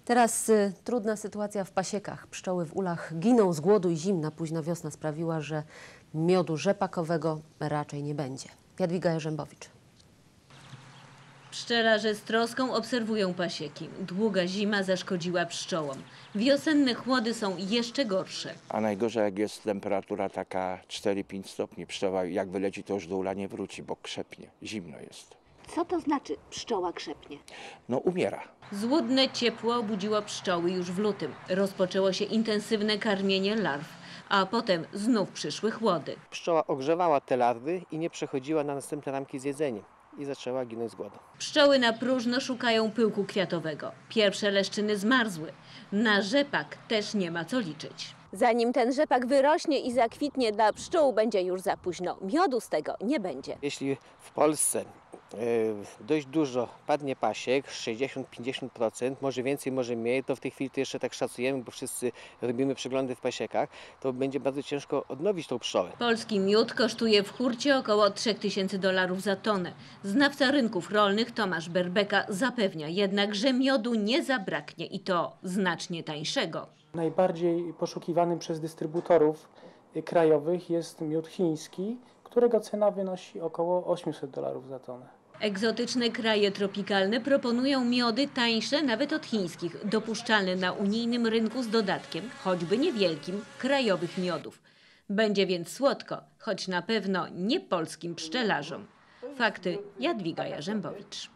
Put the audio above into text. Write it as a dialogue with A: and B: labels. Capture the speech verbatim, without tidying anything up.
A: Teraz y, trudna sytuacja w pasiekach. Pszczoły w ulach giną z głodu i zimna późna wiosna sprawiła, że miodu rzepakowego raczej nie będzie. Jadwiga Jarzębowicz.
B: Pszczelarze z troską obserwują pasieki. Długa zima zaszkodziła pszczołom. Wiosenne chłody są jeszcze gorsze.
C: A najgorzej, jak jest temperatura taka cztery pięć stopni. Pszczoła jak wyleci, to już do ula nie wróci, bo krzepnie. Zimno jest.
D: Co to znaczy pszczoła krzepnie?
C: No umiera.
B: Złudne ciepło obudziło pszczoły już w lutym. Rozpoczęło się intensywne karmienie larw, a potem znów przyszły chłody.
E: Pszczoła ogrzewała te larwy i nie przechodziła na następne ramki z jedzeniem i zaczęła ginąć z głodu.
B: Pszczoły na próżno szukają pyłku kwiatowego. Pierwsze leszczyny zmarzły. Na rzepak też nie ma co liczyć.
D: Zanim ten rzepak wyrośnie i zakwitnie, dla pszczół będzie już za późno. Miodu z tego nie będzie.
E: Jeśli w Polsce y, dość dużo padnie pasiek, sześćdziesiąt do pięćdziesięciu procent, może więcej, może mniej, to w tej chwili to jeszcze tak szacujemy, bo wszyscy robimy przeglądy w pasiekach, to będzie bardzo ciężko odnowić tą pszczołę.
B: Polski miód kosztuje w hurcie około trzech tysięcy dolarów za tonę. Znawca rynków rolnych Tomasz Berbeka zapewnia jednak, że miodu nie zabraknie i to znacznie tańszego.
F: Najbardziej poszukiwanym przez dystrybutorów krajowych jest miód chiński, którego cena wynosi około osiemset dolarów za tonę.
B: Egzotyczne kraje tropikalne proponują miody tańsze nawet od chińskich, dopuszczalne na unijnym rynku z dodatkiem, choćby niewielkim, krajowych miodów. Będzie więc słodko, choć na pewno nie polskim pszczelarzom. Fakty Jadwiga Jarzębowicz.